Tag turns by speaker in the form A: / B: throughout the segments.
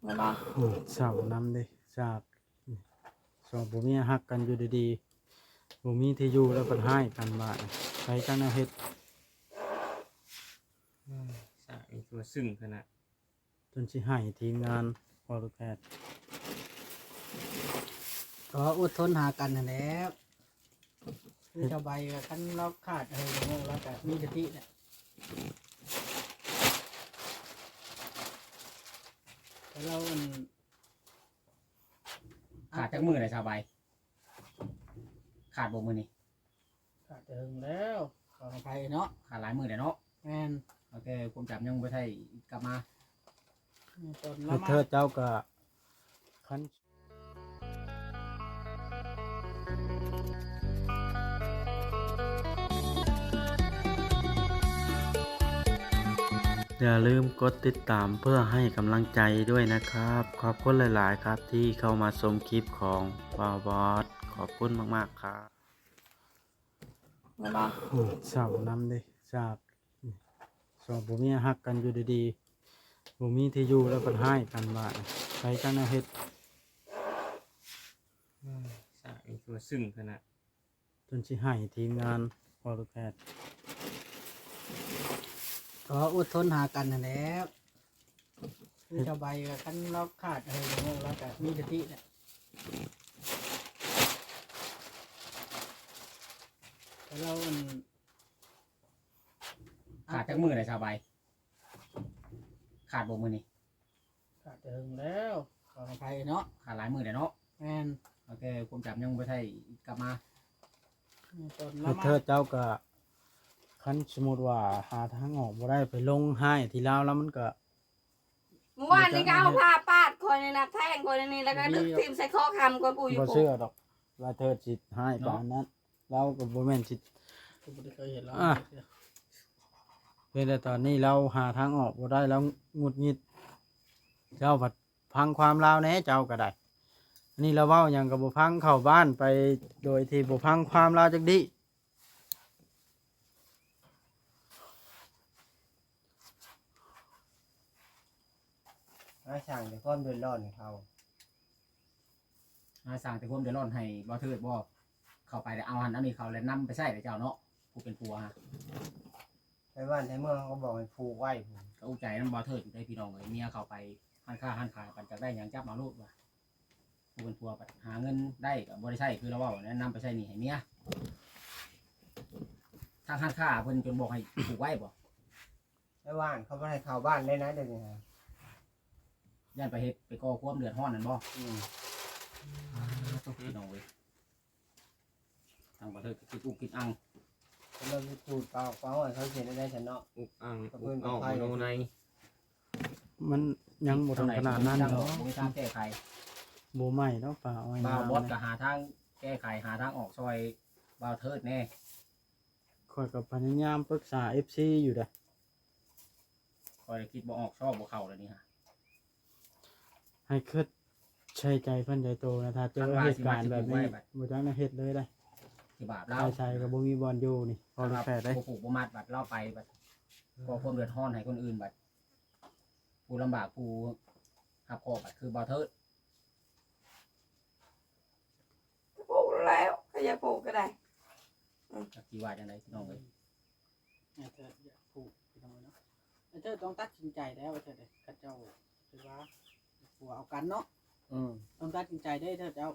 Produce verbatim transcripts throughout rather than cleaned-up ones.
A: โอ้เศร้านำเด้จากสองผัวเมียฮักกันอยู่ดีๆบ่มีที่อยู่แล้วเพิ่นให้กันบาดไปจังแนวเฮ็ด
B: สามีตัวซึ้งขนาด
A: จนสิให้ทีมงานพอลูกแพทย์
C: ก็อดทนหากันนั่นแหละคือชาวใบกับคันเราขาดอะไรอย่างเงี้ยแล้วก็มีสติเนี่ยแต่เราอัน
B: ขาดจากมือเลยชาวใบขาดบ่มือนี่
C: ขาดเถิงแล้วขออภัยเนาะ
B: ขาดหลายมือเลยเนาะ
C: แม่น
B: โอเคผมจับยังไม่ได้กลับมา
C: ตอน
A: คื
C: เรา
A: อ
C: มา
A: เธอเจ้าก็คันอย่าลืมกดติดตามเพื่อให้กำลังใจด้วยนะครับ ขอบคุณหลายๆครับที่เข้ามาชมคลิปของบาวบอสขอบคุณมากๆครับโอ้เศร้านำเด้จากสองผัวเมียฮักกันอยู่ดีๆบ่มีที่อยู่แล้วเพิ่นให้กันบาดไปจังแนวเฮ็ด
B: สามีตัวซึ้งขนาด
A: จนสิให้ทีมงานพอลูกแพทย์
C: ก็อดทนหากันนั่นแหละคือชาวใบกับคันเราขาดอะไรอย่างเงี้ยแล้วก็มีสติเนี่ยแต่เราอัน
B: ขาดจากมือเลยชาวใบขาดบ่มือนี่
C: ขาดเถิงแล้วขออภัยเนาะ
B: ขาดหลายมือเลยเนาะ
C: แม่น
B: โอเคผมจับยังไม่ได้กลับมา
C: ตอน
A: คื
C: เรา
A: อ
C: มา
A: เธอเจ้าก็คันสมมุติว่าหาทางออกบ่ได้ไปลงให้ที่ลาวแล้วมันก็
D: เมื่อวานนี้ก็เอาผ้าปาดคนนี่นะแทงคนนี่แล้วก็ดึกทีมใส่ข้อคำคนกูอยู่
A: บ่
D: กู
A: เชื่อดอกว่าเธอสิให้ปานนั้นเราก็บ่แม่นสิ
C: ผมไม่ได้เคยเห็นเรา
A: อ่ะ เพียงแต่ตอนนี้เราหาทางออกบ่ได้แล้วหงุดหงิดเจ้าผัดพังความลาวแหน่เจ้าก็ได้อันนี้เราเว้าหยังก็บ่พังเข้าบ้านไปโดยที่บ่พังความลาวจักดิ
E: อาช่างแต่ความเดือดร้อนให้เขา
B: อาสั่งแต่ผมเดือดร้อนให้บ่เทิดบ่เข้าไปแล้วเอาหันเอานี่เขาแล้วนำไปใช้เลยเจ้าเนาะผู้เป็นผัวฮะ
E: ไปบ้านในเมืองเขาก็บอกให้ผูกไว้ผม
B: ก็อุจใจน้ำบ่เทิดอยู่ได้พี่น้องเลยเมียเข้าไปหันค่าหันขายปันจากได้หยังจับมาลูกว่ะผู้เป็นผัวปัดหาเงินได้ก็บ่ได้ใช้คือเราเว้าแนะนำไปใช้หนี่ให้เมียทางหันค่าเพิ่นจนบอกให้ผูกไว้บ่
E: ในบ้านเขาไม่ให้เข้าบ้านเลยนะเดี๋ยวนี้ฮะ
B: ย่านไปเฮ็ดไปก่อความเดือดร้อนนั่นบ่
E: อืม
B: ต้องพี่น้องเว้ยทางบ่เทิดก็คิดอุกคิดอัง
E: เขาเราไปพูดเปล่าเปล่าให้เขาเขียนได้ฉันเนาะ
B: อุกอัง
E: อุกออกมโนใน
A: มันยังบ่ถึงขนาดนั้น
B: เนาะ
A: เนาะ
B: บ่มีทางแก้ไข
A: บ่ใหม่เนาะป่าอ้อย
B: บ่าว
A: น้ำ
B: บอส
A: นะ
B: ก็หาทางแก้ไขหาทางออกซอยบ่าวเทิดแน่
A: ข้อยก็พยายามปรึกษา เอฟ ซี อยู่เด้อ
B: คอยคิดบ่ออกชอบบ่เข้าแล้วนี่ฮะ
A: ให้คิดใช้ใจเพิ่นใจโตนะถ้าเจอเหตุการณ์แบบนี้บ่จังได้เฮ็ดเลยได้
B: ที่บาป
A: ใ
B: เรา
A: ช่ๆก็บ่มีบ่อนอยู่นี่พอลูกแพทย์ได้
B: ผู้ผูกบ่มัดบัดเล่าไปบัดก่อความเดือดร้อนให้คนอื่นบัดผู้ลำบากผู้หับคอบัดคือบ่าวเทิด
D: ปลูกแล้วใครจะปลูกก็ได้
B: จักสิว่าจังไดพี่น้องเอ้ย
C: ไอ้เธออยากผูกไปทำไมเนาะไอ้เธอต้องตัดสินใจแล้วไอ้เธอเด็กข้าเจ้าคือว่าผัวเอากันเนาะ
E: อืม
C: ต้องตัดสินใจได้เธอเจ้า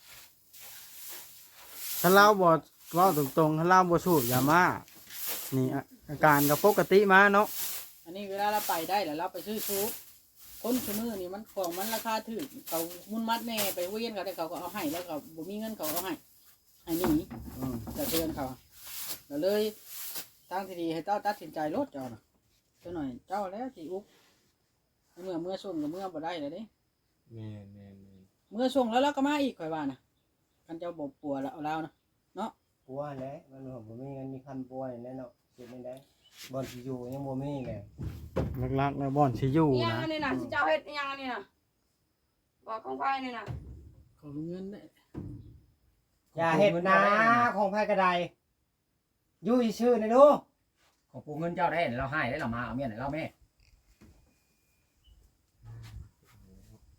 A: ถ้าเราบ่เว้าตรงๆถ้าเราบ่สูบยามานี่อะอาการก็ปกติมาเนาะ
C: อันนี้เวลาเราไปได้แล้วเราไปซื้อซุปคนซื้อมือนี่มันของมันราคาถึงเขามุนมัดแน่ไปเวียนเขาแต่เขาก็เอาให้แล้วเขาบ่มีเงินเขาเอาให้ให้หนี่
E: อืม
C: แต่เตือนเขาแล้วเลยทางที่ดีให้เจ้าตัดสินใจลดเจ้าน่ะเจ้าหน่อยเจ้าแล้วที่อุ๊บเมื่อเมื่อส่งกับเมื่อบ่ได้เลยเด้
B: แม่นแม่น
C: เมื่อส่งแล้วเราก็มาอีกข่อยว่านะคันเจ้าบ่ปัวแล้วเอาแล้วนะ
E: ปัวแหล้วมันผมบ่มีเงินมีคันปัวนี่แหละเนาะเก็บไม่ได้บ่อนที่อยู่ยังบ่มีเลย
A: หลักๆแล้วบ่อนสิอยู่
D: อีหยัง
A: นะ
D: อันนี้นะสิเจ้าเฮ็ดอีหยังอันนี้นะบอกของไฟนี่นะ
C: ขอเงินได้
E: อย่าเฮ็ดนะของไผกระไดอยู่ชื่อๆนะดู
B: ของปูเงินเจ้าได้เราให้ได้เรามาเอาเมียไหนเราแม่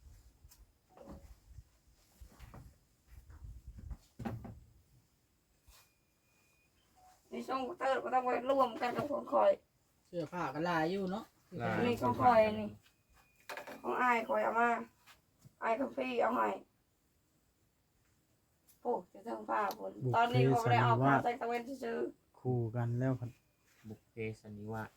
D: นี่ช่องเติร์ดก็ต้องไปร่วมกันกับของคอย
C: เสื้อผ้าก็ลายอยู่เนาะ
D: นี่ของคอยนี่ของอายคอยเอามาอายกับพี่เอาให้โอ้จะเทิงผ้าฝนตอนนี้เขาไม่ได้เอาผ้าใส่ตะเวนซื้อ
A: คู่กันแล้วครับ
F: บุกเพสันนิวาส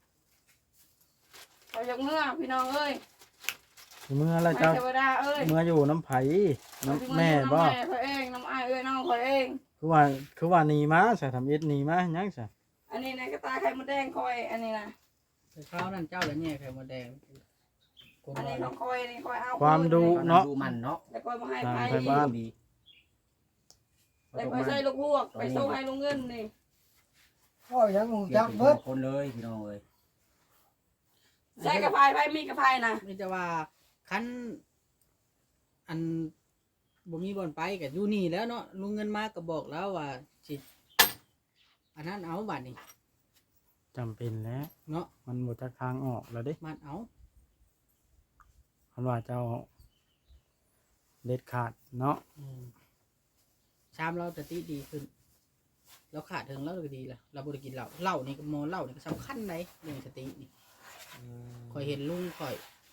D: เขายกเมื่อพี่น้องเอ้ย
A: เมื่อแล้ว
D: ไม่
A: เจ้า
D: เทวดาเอ้ย
A: เมื่ออยู่น้ำไผน้ำแม่บ่
D: น้ำแม่เขาเองน้ำอายเอ้ยน้องเขาเอง
A: คือว่าคือว่าหนีมาใส่ทำเอ็ดหนีมายังซะ
D: อันนี้นะกระตายไข่มดแดงคอยอันนี้นะ
C: แต่ข้าวนั่นเจ้าละแง่ไข่มดแดงคน
D: อัน
C: ว่า
D: นี้ของคอยนี่คอยเอา
A: ความดุ
B: ตอนนั้น
A: เนาะ
B: ดูมันเนาะ
D: แล้วคอยมาให้
A: ตาม
D: ไผ่
A: ไปบ้าน
B: ดี
D: แล้วคอยใส่ลูกลวกไปส่งให้ลุงเงินนี่
E: พ่อยังหู
B: เรีย
E: จั
B: ก
E: ก
B: เป็น
E: เบิด
B: คนเลยพี่น้องเลย
D: ใส่กระพายไผ่มีกระพายนะ
C: มีแต่ว่าคันอันบ่มีบ่อนไปก็อยู่นี่แล้วเนาะลุงเงินมาก็บอกแล้วว่าสิอันนั้นเอาบัดนี้
A: จำเป็นแล้ว
C: เนาะ
A: มันหมดจากทางออกแล้วเด้
C: มันเอา
A: คันว่าเจ้าเด็ดขาดเนาะ
C: อืมชามเราสติดีขึ้นเราขาดถึงแล้วก็ดีละเราบ่ได้กินเหล้าเหล้านี่ก็มอเหล้านี่ก็สำคัญไหนเรื่องสตินี่คอยเห็นลุงคอย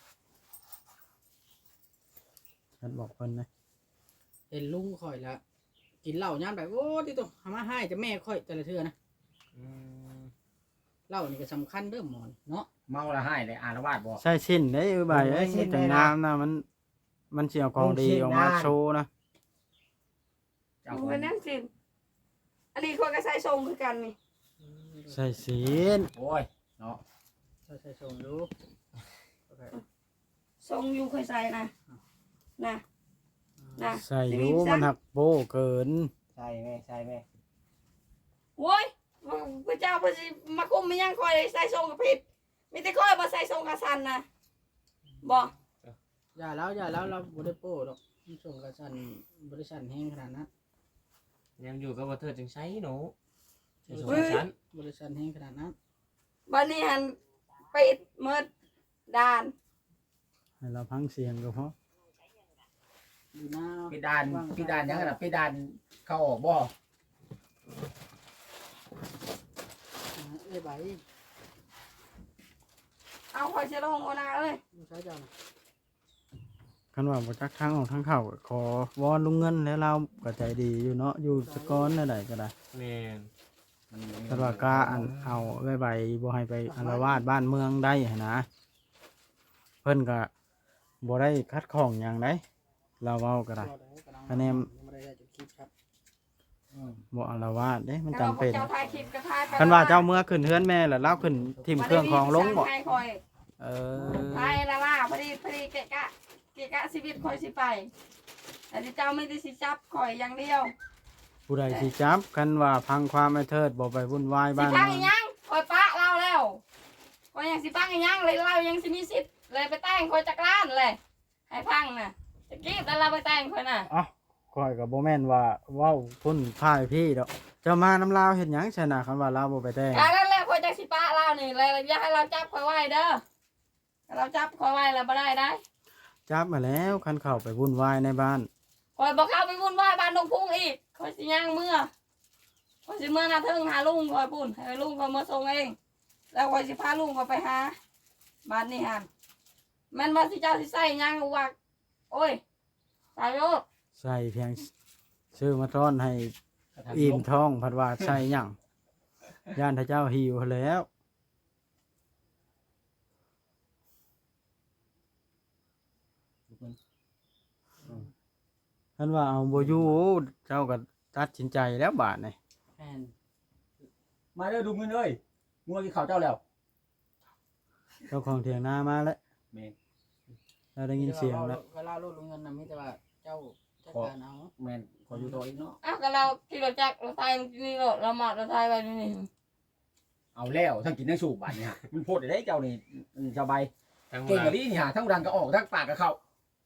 A: ฉันบอกเพิ่นนะ
C: เห็นลุงคอยแล้วกินเหล้ายามแบบโอ้ติโตหามาให้จะแม่ค่อยแต่ละเทื่อนะเหล้านี่ก็สำคัญเด้อหมอนเนาะ
B: เมาละให้เลยอารวาสบ่
A: ใช่ชิ้นได้เออใบเอ้ยจังงามนะมันมันสิเอาของดีออกมาโชว์นะ
B: เจ้า
D: มึ
B: ข
D: ง
B: อง
D: เป็นนั่งสิอันนี้คอยก็ใส่ทรงคือกันนี่
A: ใส่ศีล
B: โอ้ยเนาะ
C: ใช่ใช่ชมดูโอเค
D: ทรงอยู่เคยใส่นะนะนะ
A: ใส่อยู่มันหักโบเกิน
E: ใช่แม่ใช่แม่
D: โว้ยพระเจ้าพระสิมาคุมไม่ยังคอยใส่ทรงกับผิดมีแต่คอยมาใส่ทรงกับสันนะบอก
C: อย่าแล้วอย่าแล้วเราบ่ได้โป้ดอกมันส่งกระสันบริษัทแห้งขนาดนั้น
F: ยังอยู่กับว่าเธอจึงใช้หนูใช้ส
C: เฮ้
F: ง
C: ย
F: สาร
C: บริษัทแห้งขนาดนั้น
D: บันนี้หันปิดเมิดด่าน
A: ให้เราพังเสียงก็พอ
C: อยู่หน้า
B: พี่ดานพี่ดานยังไงล่ะพี่ดานเข้าออกบ่
C: เอ้ยใบ
D: เอาคอยเชลงโอนาเอ้ย
C: ดูใช้เจ้านะ
A: คันว่าบ่จักทางออกทางเข้าก็ขอวอนลุงเงินแล้วเราก็ใจดีอยู่เนาะอยู่สกอนนั่นใดก็ได้
F: แม่น
B: มันมี
A: คันว่ากล้าอันเอาไว้ใบบ่ให้ไปอาละวาดบ้านเมืองได้หั้นนะเพิ่นก็บ่ได้คัดของหยังไดเราเว้าก็ได้ คะแนน
C: ไม่ได้จุดคลิปครับ
A: บ่อาละวาดเด้มันจำ
D: แล้ว
A: เป็น
D: เจ้าทายคลิปก็ทายไป
A: คันว่าเจ้าเมื่อขึ้นเฮือนแม่แล้วเราขึ้นทิ่มเครื่องของลงบ่
D: ให้คอย
A: เออ
D: ทายละว่าพอดีพอดีเกะกะเกะกะชีวิตคอยสิไปแต่ที่เจ้าไม่ได้สิจับคอยอย่างเดียว
A: ผู้ใดสิจับคันว่าพังความไอ้เทิดบ่ไปวุ่นวาย
D: สิ
A: บ้าน
D: พัง
A: เมื
D: อี
A: อง
D: หยังคอยปะเราแล้วคอยยังสิพังอีหยังเลยเรายังสิมีสิทธิ์เลยไปแต่งคอยจักรานเลยให้พังน่ะจะกี้แต่เราไปแต่งคอยน่ะ
A: เอ้าข้อยก็บ่แม่นว่าเว้าพุ่นพ่ายพี่ดอกเจ้ามาน้ำลาวเฮ็ดหยังชนะคันว่าลาวบ่ไปแต่ง
D: การนั่นแหละคอยจักสิปะเรานี่เลยอยากให้เราจับคอยไว้เด้อถ้าเราจับคอยไว้เราไม่ได้ได้
A: จับมาแล้วคันเข้าไปวุ่นวายในบ้าน
D: คอยบอกเข้าไปวุ่นวายบ้านดงพุ่งอีกคอยสิย่างเมื่อคอยสิเมื่อนาเทิงหาลุงคอยปุ่นให้ลุงคอยมาส่งเอง แล้วคอยสิพาลุงคอยไปหาบ้านนี่ฮันแม่นว่าสิเจ้าสิใส่หยังว่าโอ้ยสายโยก
A: ใส่เพียงซื้อมาต้อนให้อิ่มท้องพัดว่าใส่หยังย่านถ้าเจ้าหิวแล้วคันว่าเอาบ่อยู่เจ้าก็ตัดสินใจแล้วบาดนี่
C: แอน
B: มาเด้อดูเงินเอ้ยงัวกินข้าวเจ้าแล้ว
A: เจ้าของเถียงนามาแล้ว
B: แม่น
A: เราได้ยินเสียงแล้ว
C: เวลาลูกลุงเงินนะมีแต่ว่าเจ้าจัดการเอา
B: แม่นขออยู่ตัวอีกเนาะ
D: อ้าวก็เราขี่รถจักรเราไทยมันนี่รถเราหมัดเราไทยไปนี่
B: เอาแล้วทั้งกินทั้งสูบบัดนี่ฮะมันโพดได้เจ้านี่อืมสบาย
F: ทั้ง
B: เก่ง
F: ว่า
B: กว่านี้นี่ฮะทั้งดังก็ออกทั้งปากก็เข้า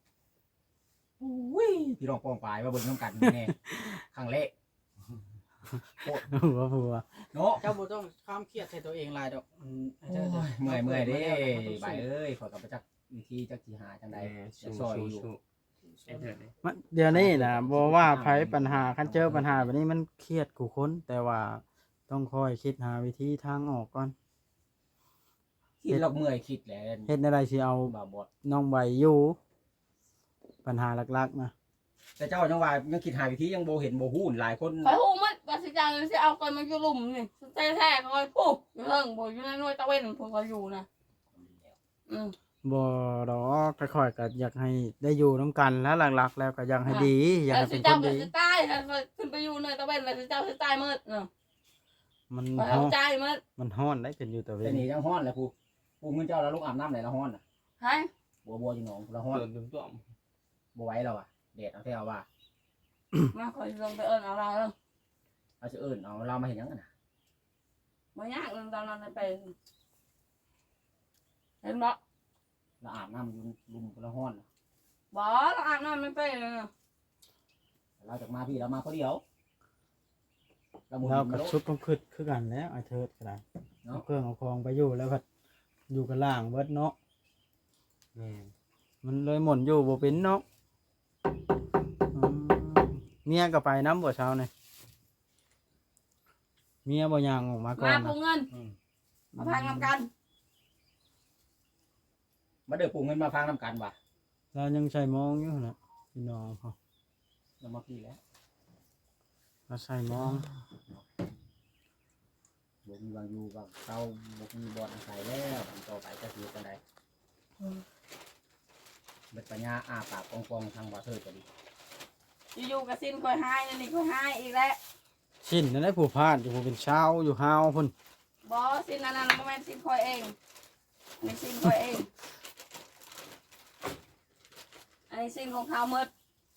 B: อุ้ยพี่รองปองปลายมาเบิ่งน้ำกันแน่ครั้งแรก
A: หัวหัว
B: เนาะ
C: เจ้าบ่ต้องความเครียดใส่ตัวเองหลายดอกอืมให้เจ้าจะ
B: เมื่อยเมื่อยเด้
C: ต้องสู้
B: ใบเอ้ยขอยกับประจักษ์วิธีจักสิหาจังใด
F: แม่
B: จะ
F: สู้
B: ซอย
F: สู้
B: อยู่
F: สู้ไอ้เถิดนี่
A: มันเดี๋ยวนี้นะบอกว่าไผปัญหาคันเจอปัญหาแบบนี้มันเครียดกูคนแต่ว่าต้องคอยคิดหาวิธีทางออกก่อน
B: คิดเราเมื่อยคิดแหละ
A: เฮ็ดอะไรสิเอา
B: บ่บด
A: น้องใบอยู่ปัญหาหลักๆนะ
B: แต่เจ้าจังว่ายังคิดหาวิธียังบ่เห็นบ่ฮู้หลายคน
D: คอยหูมันว่าสิจังสิเอาคนมาอยู่หลุมนี่แท้ๆคอยพูดอยู่เรื่องบ่อยู่ในหน่วยตะเวนพวกเขาอยู่นะอืม
A: บ่ดอกค่อยๆก็อยากให้ได้อยู่น้ำกันแล้วหลักๆ แล้วก็อยากให้ดี อยาก
D: แล้ว
A: ให้
D: สิ
A: เป็นค
D: เจ้าน ก็
A: ดี
D: สิตายแล้วขึ้นไปอยู่หน่วยตะเวนแล้วสิเจ้าสิตายหมดเนาะ
A: มัน
D: คอย
A: ฮ้
D: เอา
A: อน
D: ใจหมด
A: มันฮ้อนได้เป็นอยู่แต่เว
B: แต่
A: น
B: นี่ยังฮ้อนแหละผู้ผู้เงินเจ้าแล้วลูกอาบน้ำไหนละฮ้อนน่ะ
D: ให้
B: บัวบัวอยู่หนองละฮ้อน
F: เดินตุ้ม
B: บ่ไหวแล้วอ่ะแดดเอาแท้เอาว่า
D: มาคอยลงไปเอิ้นเอาเราเด้อ
B: เอาสิเอิ้นเอาเรามาเฮ็ดหยังกันน่ะ
D: บ่ยากเรื่องตอนนั้นไปเห็นบ่
B: เราอาบน้ำอยู่ลุมละฮ้อนน่ะ
D: บ่เราอาบน้ำไม่เป็นเลย
B: เราจากมาพี่เรามาคนเดียวเราหมุน
A: แล้ว
B: มา
A: ก็
B: โลด
A: ชุดต้องขึ้นคือกันแล้วไอ้เทิดก็ได้
B: เนาะ
A: เอาเครื่องเอาของไปอยู่แล้วก็อยู่กันล่างเบิดเนาะ
F: ๆแม่น
A: มันเลยหม่นอยู่บ่เป็นเนาะอืมเมียก็ไปน้ำบ่เช้านี่เมียบ่ย่างออกมาก่อ
D: มาน พ
A: นะ
D: วกเงิน
B: อืม
D: มาพังนำกัน
B: มาเด้อปู่เงินมาฟังนํกันว่ะ
A: เรายังใส่มองอยู่นะพี่น้องเขา
B: เรามาพี่แล้ว
A: เราใส่มอง
B: บ่มีวางอยู่วางเตาบ่มีบ่อนอาศัยแล้วอันต่อไปจะสิอยู่กันใดเบ็ดปัญญาอ้าปากกองๆทางบ่อเทิดก็ดี
D: อยู่ๆก็สิ้นคอยหายนี่นี่คอยหายอีกแล้ว
A: ชิ้นนั่นได้ผู้พาดอยู่ผู้เป็นเช้าอยู่ฮาวพุ่น
D: บ่สิ้นอันนั้นบ่แม่นสิ้นคอยเองอันนี้สิ้นคอยเองอันนี้สิ้นของเขาหมด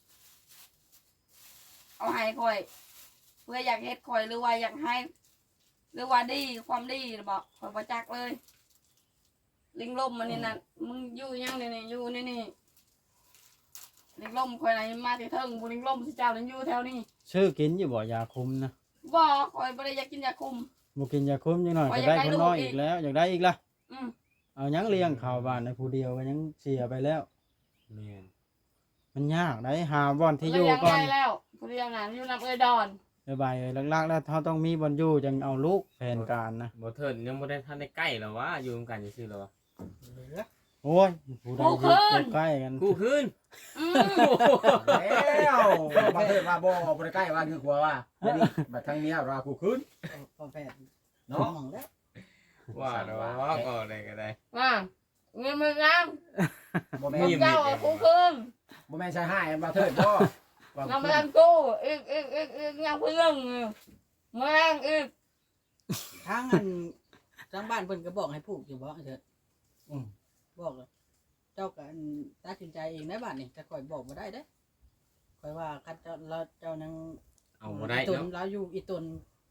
D: เอาให้คอย เพื่ออยากเฮ็ดคอยหรือว่าอยากให้ หรือว่าดีความดีบอกคอยบ่จักเลย ลิงลมมันนี่น่ะมึงอยู่ยังนี่นี่อยู่นี่นี่ลิงลมคอยไหนมาที่เทิงบุลิงลมสิเจ้าลิงอยู่แถวนี้
A: ชื่อกินอยู่บ่ยาคุมนะ
D: บ่คอยบ่ได้อยากกินยาคุม
A: บ่กินยาคุมจังหน่อย
D: ว่า
A: จะ
D: อยาก
A: ได้
D: ได้
A: คนน้อย
D: ลูกอี
A: อี
D: ก
A: กแล้วอยากได้อีกล่ะ
D: อืม
A: เอายังเลี้ยงข้าวบ้านในผู้เดียวก็ยังเสียไปแล้ว
F: แม่น
A: มันยากได้หาบ่อนที่อยู่
D: เลี้ยง
A: ก่อน
D: ได้แล้วผู้เลี้ยงน่ะอยู่นำเอ้ยดอน
A: บายๆหลักๆแล้วเขาต้องมีบ่อนอยู่จังเอาลูกแผนการนะ
F: บ่เทิดยังบ่ได้ทันได้ใกล้หรอวะอยู่นำกันซื่อๆหรอวะ
A: โอ้ยผู้ใดอยู่ใกล้กัน
F: คู่คืน
D: อืม
B: แล้วบ่อเทิดว่าบ่บ่ได้ใกล้ว่าคือกลัวว่าเดี๋ยวนี้บัดทางเนี้ยว่ากูคืน
C: พอแพทย์
B: เนาะ
C: มองแล้ว
F: ว่าดอกก็ได้ก็ได้
D: ว่าเงินมันงาม
B: บ่แม่
D: ผม
B: น
D: เจ้าเอาคู่คืน
B: บ่แม่นใช่ให้บ่อเทิดบ่ว่า
D: นำไปอันกู้อีกอีกอีกอีกยังเพิ่งแมงอีก
C: ทางอันทางบ้านเพิ่นก็บอกให้ผูกอยู่บ่เถิด
B: อืม
C: บอกเลยเจ้าก็อันตัดสินใจเองได้บ้านนี่แต่ข่อยบอกบ่ได้เด้ข่อยว่าคันเจ้าเราเจ้านัง
F: เอาบ่ได้
C: อีตน
F: เนาะ
C: เราอยู่อีตน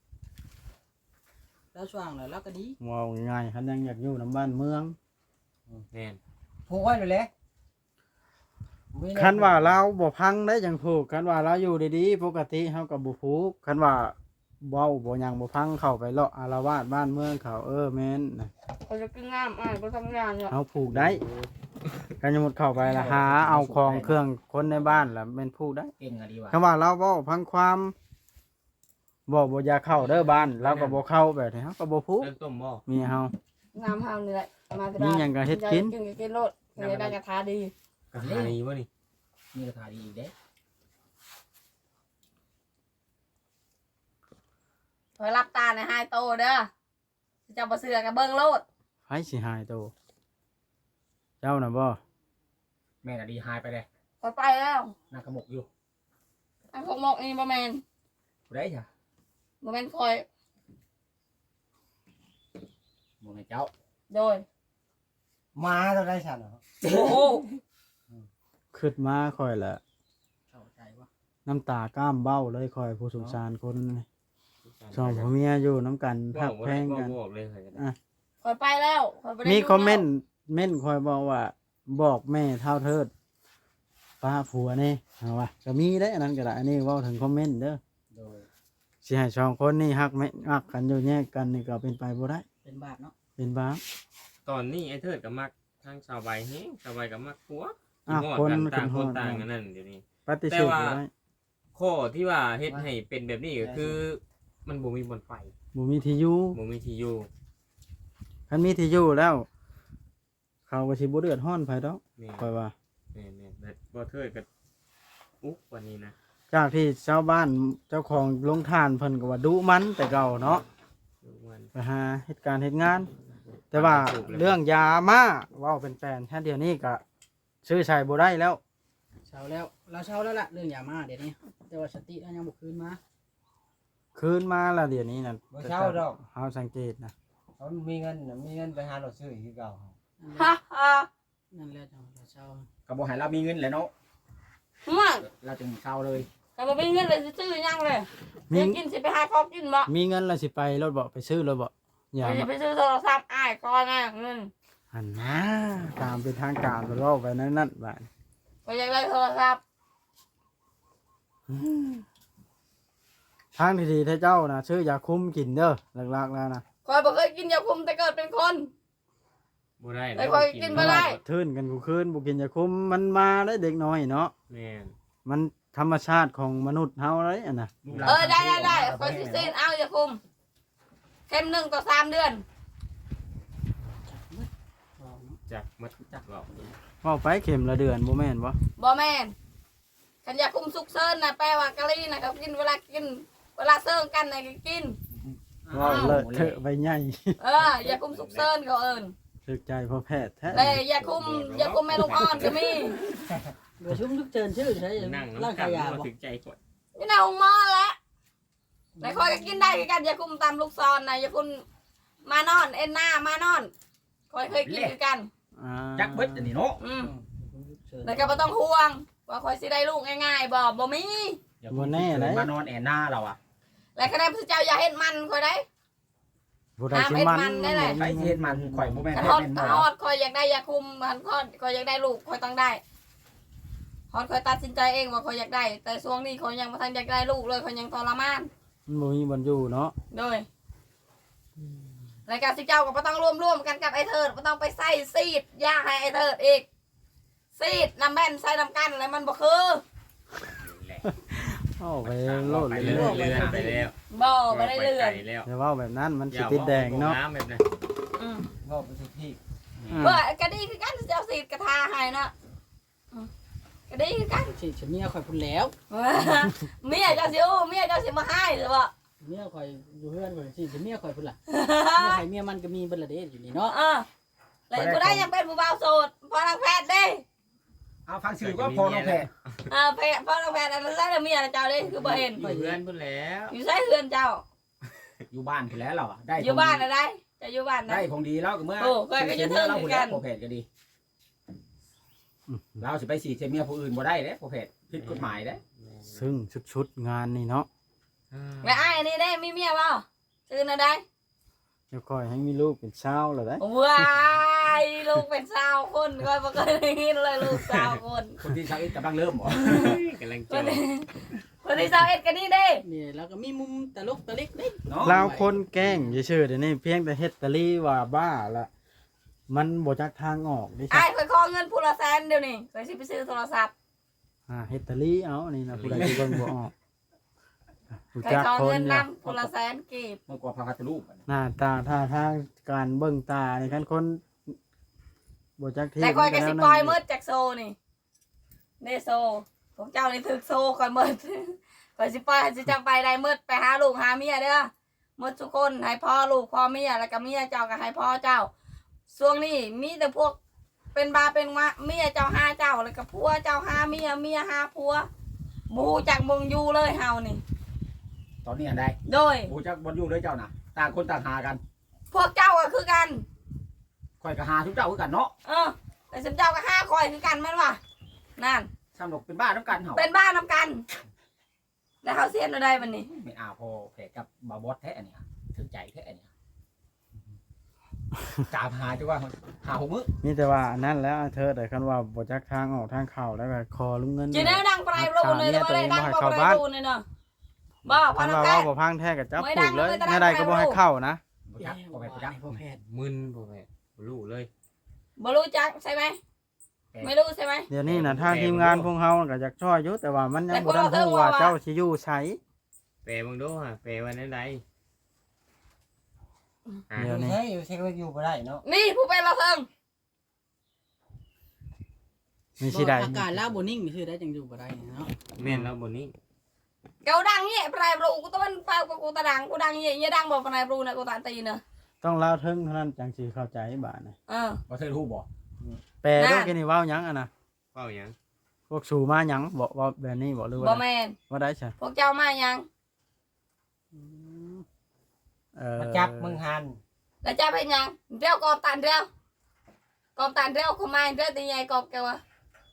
C: เราสว่างแล้วเราก็ดี
A: ว้าวง่ายๆคันยังอยากอยู่น้ำบ้านเมือง
F: แม่น
B: ผูกไว้เลยแหละ
A: คันว่าเราบ่พังได้จังผูกคันว่าเราอยู่ดีๆปกติเฮาก็บ่ผูกคันว่าเว้าบ่หยังบ่พังเข้าไปเลาะอารวาสบ้านเมืองเขาเออแม่นนะ
D: เขาจะกินน้ำอ่ะไปทำงานเนี่ย
A: เฮาผูกได้กันสมมุติเข้าไปละหาเอาของเครื่องคนในบ้านล่ะแม่นผูกได้
B: เก่งอะดีว่ะ
A: คำว่าเราเว้าพังความบ่บ่อยากเข้าเด้อบ้านเราก็บ่เข้าแบบนี้เฮาก็บ่ผูก
F: เริ่มต้มบ่
A: มีเฮา
D: น้ำห้ามนี่แหละมาที่
A: มี
D: บ้าน
A: หยังก็เฮ็ดกิน
D: กินกินโลดมีได้กระทาดี
F: กะหาดีบ่นี่
B: มีราคาดีอีกเด้
D: คอยรับตาในไฮโตเด้อเจ้าบ่เสือกับเบิ้งโลด
A: ไผสิหายโตเจ้าน่ะบ่
B: แม่น่ะดีหายไปเลย
D: คอยไปแล้ว
B: นางขมกอยู่
D: ไอ้พวกหมกนี่บ่แมน
B: ผู้ใดจ้ะ
D: บ่แมนคอย
B: บ่แม่นเจ้า
D: โดย
E: มาเท่าได้ฉันเหรอ
D: โอ้โห
A: ขึ้นมาค่อยละ
C: เข้าใจว่า
A: น้ำตาก้ามเบ้าเลยค่อยผู้สงสารคนนี่สองผัวเมียอยู่น้ำกัน
F: บ่
A: พัก
F: บ่
A: แพ
F: ได้
A: ง
F: บ่
A: กัน
F: บอกเลยค่ะ
A: อ่ะ
D: คอยไปแล้วคอยบ่ได้
A: มี
D: ยู่
A: คอมเมนต์เม่นคอยบอกว่า บอกแม่เท่าเทิดป้าผัวนี่เอาว่าก็มีได้อันนั้นก็ได้อันนี้เว่าถึงคอมเมนต์เด้อ
B: โดย
A: สิให้สองคนนี่ฮักไม่ฮักกันอยู่แยกกันนี่ก็เป็นไปบ่ได้
C: เป็นบาปเนาะ
A: เป็นบ้าป
F: ตอนนี้ไอ้เทิดก็มักทางชาวใบแฮงชาวใบก็มักผัว
A: อ่ะ
F: งอด
A: คน
F: กันต่าง
A: ค
F: คน
A: น
F: ต่าง
A: ฮอด
F: กันนั่นเดี๋ยวนี้
A: ปฏิเสธ
F: แต่ว่า
A: บ่ได้
F: ข้อที่ว่าเฮ็ดให้เป็นแบบนี้ก็คือ มันบ่มีบนไฟ
A: บ่มีที่อยู่
F: บ่มีที่อยู่
A: คันมีที่อยู่แล้ว เขาก็สิบ่เดือดร้อนไผดอก
F: แม่น
A: ค่อยว่า
F: แม่นแม่นแบบบ่เทิดก็อุ๊กกว่านี้นะ
A: จากที่ชาวบ้านเจ้าของโรงทานเพิ่นก็ว่าดุมันแต่เก่าเนาะ
F: ลูกมัน
A: ไปหาเหตุการณ์เหตุงาน แต่ว่าเรื่องยามาเว้าเป็นแฟนแค่เดียวนี้ก็ซื้อใช้บ่ได้แล้ว
C: เช้าแล้วเราเช้าแล้วล่ะเรื่องยามาเดี๋ยวนี้แต่ว่าสติเรายังบ่คืนมา
A: คืนมาแล้วเดี๋ยวนี้น่ะ
E: บ่เช่าดอก
A: เฮาสังเกตนะ
E: เขามีเงินน่ะมีเงินไปหาเราซื้อคือเก่า
D: ฮ่าฮ่า
C: นั่นแหละจังเราเช้า
B: ก็บ่ให้เรามีเงินแหละเนาะ
D: มา
B: เราจึงเช่าเลย
D: ก็บ่มีเงินเลยสิซื้อหยังเลย
A: มี
D: สิกินสิไปหาของกินบ่
A: มีเงินแล้วสิไปรถบ่ไปซื้อรถบ่อย่า
D: ไปสิ
A: มา
D: ไปซื้อโทรศัพท์อ้ายก่อนนะเงิน
A: หันหน้าตามเป็นทางการบ่เว้าไปนั่นนั่นบาด
D: ก็อยากได้โทรศัพท์
A: ทางที่ดีถ้าเจ้านะซื้อยาคุมกินเด้อหลักๆแล้วนะ
D: คอยบ่เคยกินยาคุมแต่เกิดเป็นคน
F: บ่ได้
D: แต่ค่อยกินบ่ได้
A: ทื่นกันกูคืนบ่กินยาคุมมันมาได้เด็กน้อยเนาะ
F: แม่น
A: มันธรรมชาติของมนุษย์เฮาเลยอันน่ะ
B: ลูกหลาน
D: เออได้ได้ได้คอยสิซื้อเอายาคุมเข็มหนึ่งต่อสามเดือน
C: เราเนาะ
F: จักมัดจักหรอก
A: เว้าไปเข็มละเดือนบ่แม่นบ่
D: บ่แม่นคันยาคุมสุกเซินน่ะแปลว่ากะลีน่ะก็กินเวลากิน เวลาเซิงกันน่ะก็กิน
A: เว้าเลอะเทอะไปใหญ่
D: เออยาคุมสุกเซินเขาเอิ้น
A: ถึกใจพอแพทย์แท้
D: แต่ยาคุมยาคุมแม่ลูกอ่อนก็มี
C: เดี๋ยวชุ่มทุกเจินชื่อใช่
F: นั่ง
C: ร่าง
F: น้ำกั
C: กาน ยยา
F: บ่
C: บ่
F: ถึงใจกด
D: นี่น่ะองหมอละแต่คอยก็กินได้คือกันยาคุมตามลูกศรน่ะยาคุมมานอนเอ็นหน้ามานอนคอยเคยกินคือกัน
A: อ่า
B: จักเบิดอันนี้เนาะ
D: อืม
C: เจิน
D: แล้วก็บ่ต้องห่วง ว่าคอยสิได้ลูกง่ายๆบ่บ่มี
B: อย่าพูดเกินมานอนแอนหน้าเราอ่ะ
D: แล้วคะแนนพระเจ้าอย่าเฮ็ดมันคอยได้
A: ผู้ใดสิมัน
D: น้ำเอ็ดมันได้แหละ
B: ไปเฮ็ดมันข่อยบ่แม่น
D: คัน
B: แม่
D: ฮอด
B: นหม
D: ฮ
B: อ
D: อดคอยอยากได้ยาคุมคันฮอดคอยอยากได้ลูกคอยต้องได้ฮอดคอยตัดสินใจเองว่าคอยอยากได้ แต่ช่วงนี้คอยยังบ่ทันอยากได้ลูกเลยคอยยังทรมาน
A: มันบ่มีบ่อนอยู่เนาะ
D: โดยรายการสิเจ้าก็บ่ต้องร่วมร่วมกันกับไอ้เทิดบ่ต้องไปใส่ซีดยาให้ไอ้เทิดอีกซีดน้ำแม่นใส่น้ำกันอะไรมันบ่คือ
A: เอาไปโลด
F: ไป
A: เลย
F: เรื่อยเรื่อยไปแล้ว
D: บ่บ่ได้เลื่อน
F: ไปแล้ว
A: อย่าเว้าแบบนั้นมันสิติดแดงเนาะ
F: น้ำแบบนั้น
D: อืม
E: ก็ไปทุกที่
A: อืม
D: เพื่อกระดีคือกันเจ้าซีดกระทาให้นะอืมกระดีคือกัน
C: สิฉันเมียข่อยพุ่นแล้ว
D: เมียเจ้าสิโอ้เมียเจ้าสิมาให้หรือบ่
C: เมียข่อยอยู่เฮือนข่อยสิฉันเมียข่อยพุ่นล่ะเมียใครเมียมันก็มีเบิดละเด้อยู่นี่เนาะ
D: เออแล้วกูได้ยังเป็นผู้บ่าวโสดพอทางแพทย์เด้
B: เอาฟังชื่อก็พอน้องแพทย์
D: เออแพทย์พอทางแพทย์อันนั้นได้เมียนะเจ้าเด้คือบ่เห็น
F: อยู่เพื่อนพุ่นแล้ว
D: อยู่ใส่เฮือนเจ้า
B: อยู่บ้านไปแล้วเราอะได้
D: อยู่บ้านนะได้จะอยู่บ้านนะ
B: ได้ของดีแล้วก็เมื่อ
D: โอ้เคยไปยืนเทิง
B: เรา
D: เหมื
B: ผู้
D: อนกั
B: แล้
D: น
B: วพอแพทย์ก็ดี เราสิไปสีเจเมียผู้อื่นบ่ได้เด้พอแพทย์ผิดกฎหมายเด้
A: ซึ่งชุดๆงานนี่เนาะ
D: แล้วไอ้อันนี้ได้มีเมียบ่ชื่อนะได้
A: เดี๋ยวค่อยให้มีลูกเป็นชาวแล้วได้
D: ว้ายลูกเป็นสาวคนก็บ่เคยได้ยินเลยลูกสาวคน
B: คนที่ชาวอิสกำลังเริ่มบ่
F: กำลัง
D: ค
F: เจอน
D: ที่คนที่สาวเอ็ดกันนี่เด้
C: นี่แล้วก็มีมุมตลกตะลิกเด้
B: เนาะ
A: ลาวคนแกล้งซื่อๆเดี๋ยวนี้เพียงแต่เฮ็ดตะลี่ว่าบ้าละมันบ่จักทางออกดิ
D: ไอ้
A: ใช่
D: เคยขอเงินผู้ละแสนเดี๋ยวนี้เคยสิไปซื้อโทรศัพท์
A: อ่าเฮ็ดตะลี่เอาอันนี้นะผู้ใดที่เบิ่งบ่ออกรู้
D: เคย
A: จัก
D: ขอ
A: คน
D: เงิน
A: เนี่ย
D: นำผู้ละแสนกีบ
B: เมื่อกว่าพระคัตรูปอะ
A: หน้าตาท่าทางการเบิ่งตานี่คันคนบ่จักที่
D: แต่คอยกับสิ
A: มัน
D: ปล่อย
A: นั่น
D: มืดจากโซนี่เดโซของเจ้านี่ถึกโซคอยมืด คอยสิปล่อยให้สิจำไปได้มืดไปหาลูกหาเมียเด้อมืดทุกคนให้พ่อลูกพ่อเมียแล้วก็เมียเจ้าก็ให้พ่อเจ้าช่วงนี้มีแต่พวกเป็นบาเป็นมะเมียเจ้าหาเจ้าแล้วก็ผัวเจ้าหาเมียเมียหาผัวบูจากมึงอยู่เลยเฮานี่
B: ตอนนี้อันใด
D: โดย
B: ผู้จักบ่อยู่เลยเจ้าน่ะต่างคนต่างหากัน
D: พวกเจ้าก็คือกัน
B: ข่อยก็หาทุกเจ้าคือกันเนาะ
D: เออแต่สมเจ้าก็ห้าคอยคือกันแม่นวะนั่น
B: ซ้ำดอกเป็นบ้านน้ำกันเฮา
D: เป็นบ้านนำกัน แล้วเขาเสียนอะไรมันนี่
B: ไม่อาพอแผลกับบาบอสแท้อันเนี้ยถึงใจแท้อันเนี้ยจามหาจังว่าหาหกมื้อ
A: มีแต่ว่าอันนั้นแล้วเธอแต่คันว่าบ่จักทางออกทางเข้าแล้วก็คอลุงเงิน
D: จีน่าดังไปรูนเลยแต่ว่าได้ดังไปรูนเลยเนาะบ้าพั
A: คั
D: น
A: น
D: ธุ์
A: ว่า
D: แก่
A: เว้าบ่พังแท้ก็จับ
D: ไม่
A: ป
D: ดั
A: ลู
D: ง
A: กเลย
D: ไม่ดัง
A: แม่ใดก็บ่ให้เข้านะ
B: บ่จักบ่แม่นบ่จัก
C: พ่อแพทย์
F: มึนบ่แม่บ่รู้เลย
D: บ่รู้จักใช่ไหมไม่รู้ใช่ไหม
A: เดี๋ยวนี้น่ะทางทีมงานพวกเฮาก็อยากช่วยอยู่แต่ว่ามันยังบ่ทันรู้ว่าเจ้าสิอยู่ไส
F: แปลเบิ่งดูฮะแปลว่าแนวใดอ่ะ
A: เดี๋ยวนี้
E: ใช่อยู่ใช่ก็อยู่บ่ได้เนาะ
D: นี่ผู้เป็นเราเทิง
A: มีสิได้
C: อากาศแล้วบ่นิ่งนี่คือได้จังอยู่บ่ได้เนาะ
F: แม่นแล้วบ่นี้
D: เกาดังเนี่ยปลายบรูกูต้องมันปลายกูตาดังกูดังเนี่ยเนี่ยดังบอกปลายบรูนะกูตาตีเนอะ
A: ต้องเล่าถึงเท่านั้นจังสิเข้าใจบาดน่ะ
D: เออ
B: บ่เทิดฮู้บ่
A: แปลด้วย
D: นั่น
A: กันนี่เว้าหยังอ่ะนะ
F: เว้าหยัง
A: พวกสู่มาหยังบ่ว่าแบบนี้บ่หรือ
D: บ่
A: ว่า
D: แมน
A: ว่าได้ใช่
D: พวกเจ้ามายัง
A: เออ
E: มาจับมึงหัน
D: แล้วเจ้าเป็นยังเรียวกอบตันเรียวกอบตันเรียวขมายเรียวตีใหญ่กอบแกวะ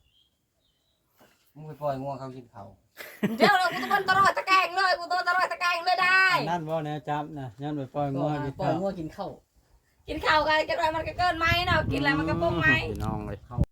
E: มึงไปปล่อยงัวเขากินเขา
D: เรียวเลยกูต้องมันตลอดตะแกรงเลยกูต้องตลอดตะแกรงเลยได้
A: อันนั่นบ่แน่จับนะย้อนไปปล่อย
C: ก็
A: งัวกิน
C: ปล่อย
A: ข้าว
C: งัวกินข้าว
D: กินข้าวกันกินอะไรมันก็เกินไหมเนาะกินอะไรมันก็ปุ้งไหม
A: พี่น้องเลย